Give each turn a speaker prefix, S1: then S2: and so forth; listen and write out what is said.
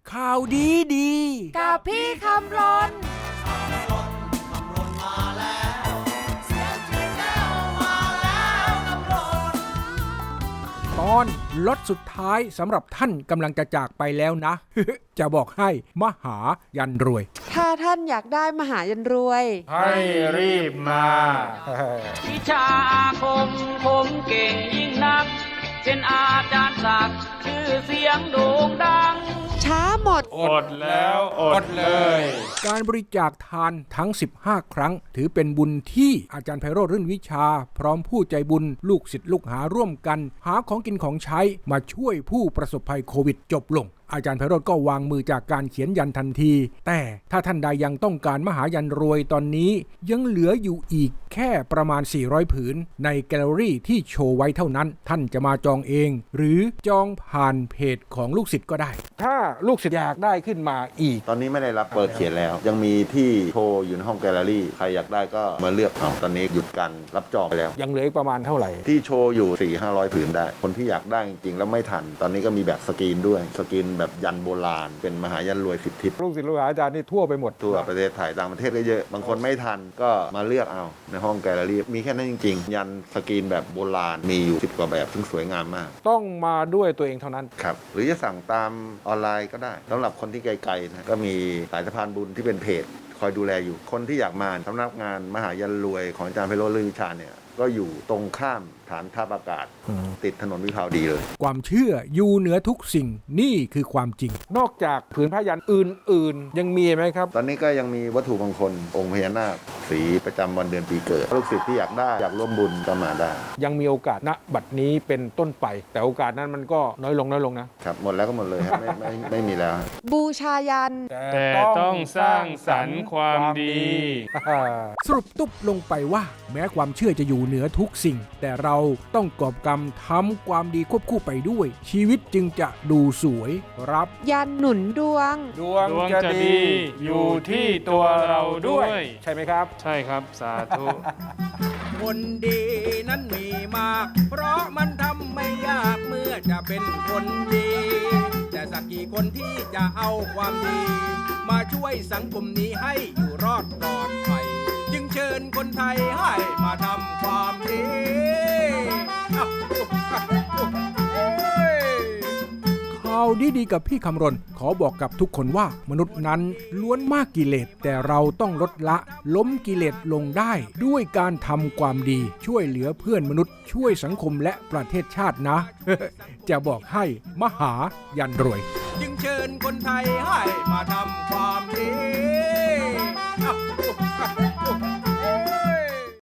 S1: ข่าวดีดี
S2: กับพี่คำรน
S1: ตอนรถสุดท้ายสำหรับท่านกำลังจะจากไปแล้วนะ จะบอกให้มหายันรวย
S2: ถ้าท่านอยากได้มหายันรวย
S3: ให้รีบมา
S4: วิชาอาคมผมเก่งยิ่งนักเป็นอาจารย์ศักดิ์ชื่อเสียงโด่งดัง
S2: ช้าหมด
S3: อดแล้วอดเลย
S1: การบริจาคทานทั้ง15ครั้งถือเป็นบุญที่อาจารย์ไพโรจน์รื่นวิชาพร้อมผู้ใจบุญลูกศิษย์ลูกหาร่วมกันหาของกินของใช้มาช่วยผู้ประสบภัยโควิดจบลงอาจารย์ไพโรจน์ก็วางมือจากการเขียนยันทันทีแต่ถ้าท่านใดยังต้องการมหายันรวยตอนนี้ยังเหลืออยู่อีกแค่ประมาณ400ผืนในแกลเลอรี่ที่โชว์ไว้เท่านั้นท่านจะมาจองเองหรือจองผ่านเพจของลูกศิษย์ก็ได้ถ้าลูกศิษย์อยากได้ขึ้นมาอีก
S5: ตอนนี้ไม่ได้รับเปิดเขียนแล้วยังมีที่โชว์อยู่ในห้องแกลเลอรี่ใครอยากได้ก็มาเลือกเอาตอนนี้หยุดการรับจองไปแล้ว
S1: ยังเหลือประมาณเท่าไหร่
S5: ที่โชว์อยู่ 400-500 ผืนได้คนที่อยากได้จริงๆแล้วไม่ทันตอนนี้ก็มีแบบสกรีนด้วยสกรีนแบบยันโบราณเป็นมหายันรวย10 ทิศ
S1: ลูกศิษย์ลูกหาอาจารย์นี่ทั่วไปหมด
S5: ทั่วประเทศไทยต่างประเทศก็เยอะบางคนไม่ทันก็มาเลือกเอาในห้องแกลเลอรี่มีแค่นั้นจริงๆยันสกรีนแบบโบราณมีอยู่10 กว่าแบบซึ่งสวยงามมาก
S1: ต้องมาด้วยตัวเองเท่านั้น
S5: ครับหรือจะสั่งตามออนไลน์ก็ได้สำหรับคนที่ไกลๆนะก็มีสายสะพานบุญที่เป็นเพจคอยดูแลอยู่คนที่อยากมาสำนักงานมหายันรวยของอาจารย์ไพโรจน์ รื่นวิชาเนี่ยก็อยู่ตรงข้ามฐานทัพอากาศติดถนนวิภาวดีเลย
S1: ความเชื่ออยู่เหนือทุกสิ่งนี่คือความจริงนอกจากผืนผ้ายันอื่นๆยังมีไหมครับ
S5: ตอนนี้ก็ยังมีวัตถุมงคลองค์พญานาคสีประจำวันเดือนปีเกิดลูกศิษย์ที่อยากได้อยากร่วมบุญก็มาได้
S1: ยังมีโอกาสณบัดนี้เป็นต้นไปแต่โอกาสนั้นมันก็น้อยลง
S5: นะครับหมดแล้วก็หมดเลยครับไม่มีแล้ว
S2: บูชายัน
S3: แต่ต้องสร้างสรรค์ความดี
S1: สรุปตุ๊บลงไปว่าแม้ความเชื่อจะอยู่เหนือทุกสิ่งแต่เราต้องกอบกรรมทำความดีควบคู่ไปด้วยชีวิตจึงจะดูสวยรับ
S2: ยันหนุนดวง
S3: ดวงจะดีอยู่ที่ตัวเราด้วย
S1: ใช่ไหมครับ
S3: ใช่ครับสาธุ
S6: คนดีนั้นมีมากเพราะมันทำไม่ยากเมื่อจะเป็นคนดีแต่สักกี่คนที่จะเอาความดีมาช่วยสังคมนี้ให้อยู่รอดปลอดภัยจึงเชิญคนไทยให้มาทำความดี
S1: ข่าวดีๆกับพี่คำรณขอบอกกับทุกคนว่ามนุษย์นั้นล้วนมากกิเลสแต่เราต้องลดละล้มกิเลสลงได้ด้วยการทำความดีช่วยเหลือเพื่อนมนุษย์ช่วยสังคมและประเทศชาตินะ จะบอกให้มหายันรวย
S6: จึงเชิญคนไทยให้มาทำความดี